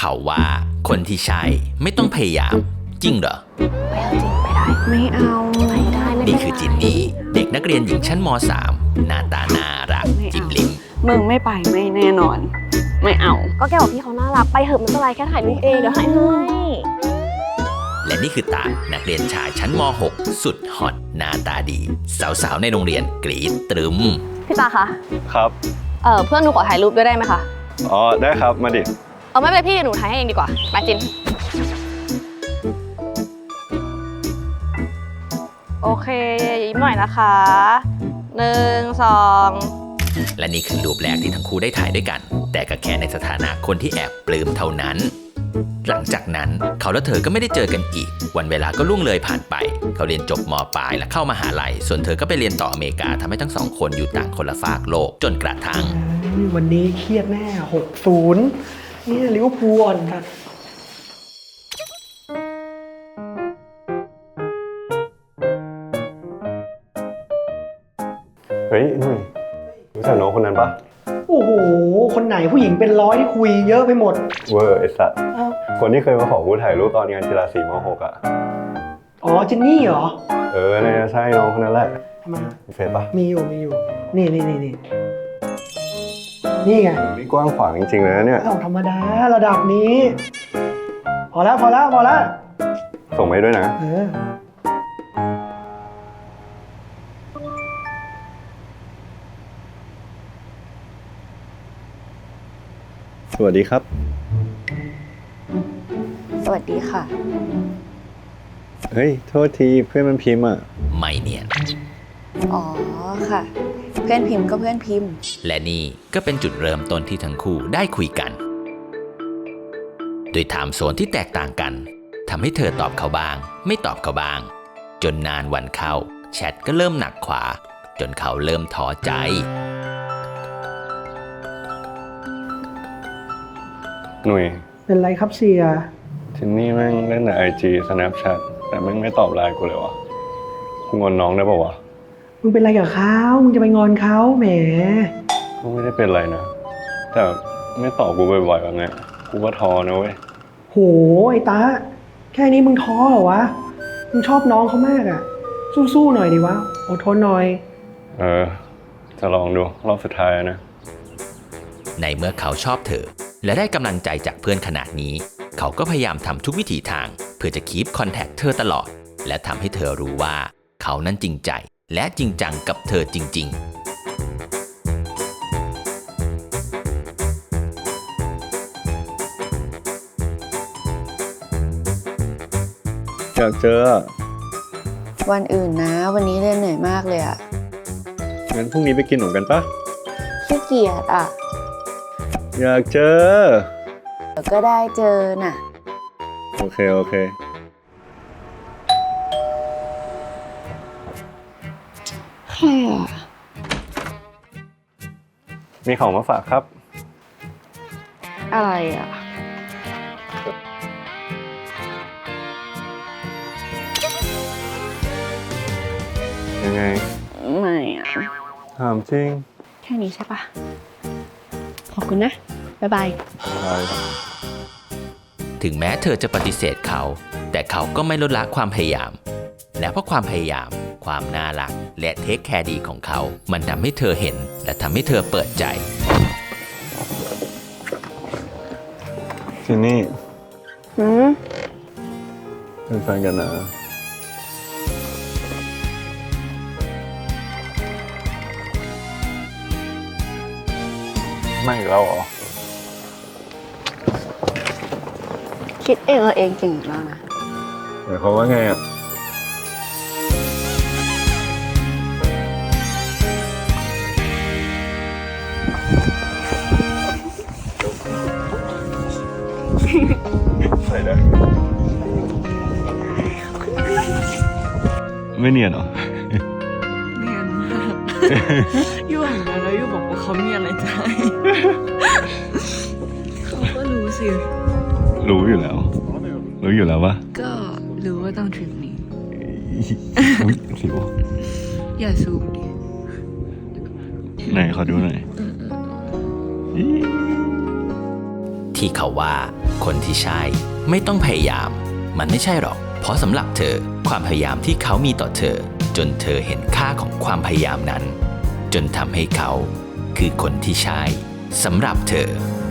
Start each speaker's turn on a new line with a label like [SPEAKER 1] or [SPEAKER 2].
[SPEAKER 1] เขาว่าคนที่ใช่ไม่ต้องพยายามจริงเหรอ
[SPEAKER 2] ไม่เอาจริงไม่ได้ไม่เอาไม่ได้
[SPEAKER 1] นี่คือจินนี่เด็กนักเรียนหญิงชั้นม.3 หน้าตาน่ารักจิ้มลิ้ม
[SPEAKER 2] มึงไม่ไปไม่แน่นอนไม่เอาก็แกบอกพี่เขาน่ารักไปเถอะมันเป็นไรแค่ถ่ายรูปเองเดี๋ยวให้
[SPEAKER 1] และนี่คือตานักเรียนชายชั้นม.6 สุดฮอตหน้าตาดีสาวๆในโรงเรียนกรี๊ดตรึม
[SPEAKER 2] พี่ตาคะ
[SPEAKER 3] ครับ
[SPEAKER 2] เพื่อนหนูขอถ่ายรูปด้วยได้ไหมคะ
[SPEAKER 3] อ๋อได้ครับมาดิ
[SPEAKER 2] ไม่เป็นไรพี่หนูถ่ายให้เองดีกว่าไปจินโอเคยิ้มหน่อยนะคะ1 2
[SPEAKER 1] และนี่คือรูปแรกที่ทั้งคู่ได้ถ่ายด้วยกันแต่ก็แค่ในสถานะคนที่แอบปลื้มเท่านั้นหลังจากนั้นเขาและเธอก็ไม่ได้เจอกันอีกวันเวลาก็ล่วงเลยผ่านไปเขาเรียนจบม.ปลายและเข้ามหาลัยส่วนเธอก็ไปเรียนต่ออเมริกาทำให้ทั้งสองคนอยู่ต่างคนละฝากโลกจนกระทั่ง
[SPEAKER 4] วันนี้เครียดแน่6-0เนี่ยลิเวอร์พูลอ่อนครับ
[SPEAKER 3] เฮ้ยนุ่ยรู้จักน้องคนนั้นปะ
[SPEAKER 4] โอ้โหคนไหนผู้หญิงเป็นร้อยที่คุยเยอะไปหมด
[SPEAKER 3] เวอร์ไอ้สัสคนที่เคยมาขอกูถ่ายรูปตอนงานกีฬาสีม.6อ่ะ
[SPEAKER 4] อ๋อจินนี่เหรอ
[SPEAKER 3] เนี่ยใช่น้องคนนั้นแหละ
[SPEAKER 4] ทำไม
[SPEAKER 3] มีเฟซปะ
[SPEAKER 4] มีอยู่นี่ไง
[SPEAKER 3] นี่กว้างขวางจริงๆเลยนะเนี่ย
[SPEAKER 4] ธรรมดาระดับนี้พอแล้ว
[SPEAKER 3] ส่งไปด้วยนะสวัสดีครับ
[SPEAKER 2] สวัสดีค่ะ
[SPEAKER 3] เฮ้ยโทษทีเพื่อนมันพิมพ์อ่ะ
[SPEAKER 1] ไม่เนียน
[SPEAKER 2] อ๋อค่ะเพื่อนพิมพ์ก็เพื่อนพิมพ์
[SPEAKER 1] และนี่ก็เป็นจุดเริ่มต้นที่ทั้งคู่ได้คุยกันโดยไทม์โซนที่แตกต่างกันทำให้เธอตอบเขาบ้างไม่ตอบเขาบ้างจนนานวันเข้าแชทก็เริ่มหนักขวาจนเขาเริ่มท้อใจ
[SPEAKER 3] หนุ่ย
[SPEAKER 4] เป็นไรครับเสีย
[SPEAKER 3] ทินนี่แม่งเล่นแต่ IG Snapchat แต่แม่งไม่ตอบไลน์กูเลยวะกูงอนน้องได้ป่าวะ
[SPEAKER 4] มึงเป็นไรกับเขามึงจะไปงอนเขาแหม
[SPEAKER 3] กูไม่ได้เป็นไรนะแต่ไม่ตอบกูบ่อยๆแบบนี้กูก็ท้อนะเว้ย
[SPEAKER 4] โหไอ้ตาแค่นี้มึงท้อเหรอวะมึงชอบน้องเขามากอ่ะสู้ๆหน่อยดิวะอดทนหน่อย
[SPEAKER 3] จะลองดูรอบสุดท้ายนะ
[SPEAKER 1] ในเมื่อเขาชอบเธอและได้กำลังใจจากเพื่อนขนาดนี้เขาก็พยายามทำทุกวิถีทางเพื่อจะคีปคอนแทคเธอตลอดและทำให้เธอรู้ว่าเขานั้นจริงใจและจริงจังกับเธอจริง
[SPEAKER 3] ๆอยากเจอ
[SPEAKER 2] วันอื่นนะวันนี้เรียนเหนื่อยมากเลยอ่ะ
[SPEAKER 3] งั้นพรุ่งนี้ไปกินหนมกันปะ
[SPEAKER 2] ขี้เกียจอ่ะ
[SPEAKER 3] อยากเจอ
[SPEAKER 2] เดี๋ยวก็ได้เจอน่ะ
[SPEAKER 3] โอเค
[SPEAKER 2] ใครอ่ะ
[SPEAKER 3] มีของมาฝากครับ
[SPEAKER 2] อะไรอ่ะ
[SPEAKER 3] ยังไง
[SPEAKER 2] ไม่อ่ะ
[SPEAKER 3] ถามจริง
[SPEAKER 2] แค่นี้ใช่ปะขอบคุณนะบ๊ายบาย
[SPEAKER 1] ถึงแม้เธอจะปฏิเสธเขาแต่เขาก็ไม่ลดละความพยายามและเพราะความพยายามความน่ารักและเทคแคร์ดีของเขามันทำให้เธอเห็นและทำให้เธอเปิดใจ
[SPEAKER 3] ทีนี่เป็นแฟนกันนะไม่อีกแล้วเหรอ
[SPEAKER 2] คิดเองเองจริงมากนะ
[SPEAKER 3] หมายความว่าไงอ่ะใส่ได้ไม่เนียนเหรอ
[SPEAKER 2] เนียนมากยู่หันมาแล้วยู่บอกว่าเขามีอะไรใจเขาก็รู้สิ
[SPEAKER 3] รู้อยู่แล้วปะ
[SPEAKER 2] ก็รู้ว่าต้องทริปนี้
[SPEAKER 3] สิว
[SPEAKER 2] อย่าซูมดิ
[SPEAKER 3] ไหนขอดูหน่อย
[SPEAKER 1] ที่เขาว่าคนที่ใช่ไม่ต้องพยายามมันไม่ใช่หรอกเพราะสำหรับเธอความพยายามที่เขามีต่อเธอจนเธอเห็นค่าของความพยายามนั้นจนทำให้เขาคือคนที่ใช่สำหรับเธอ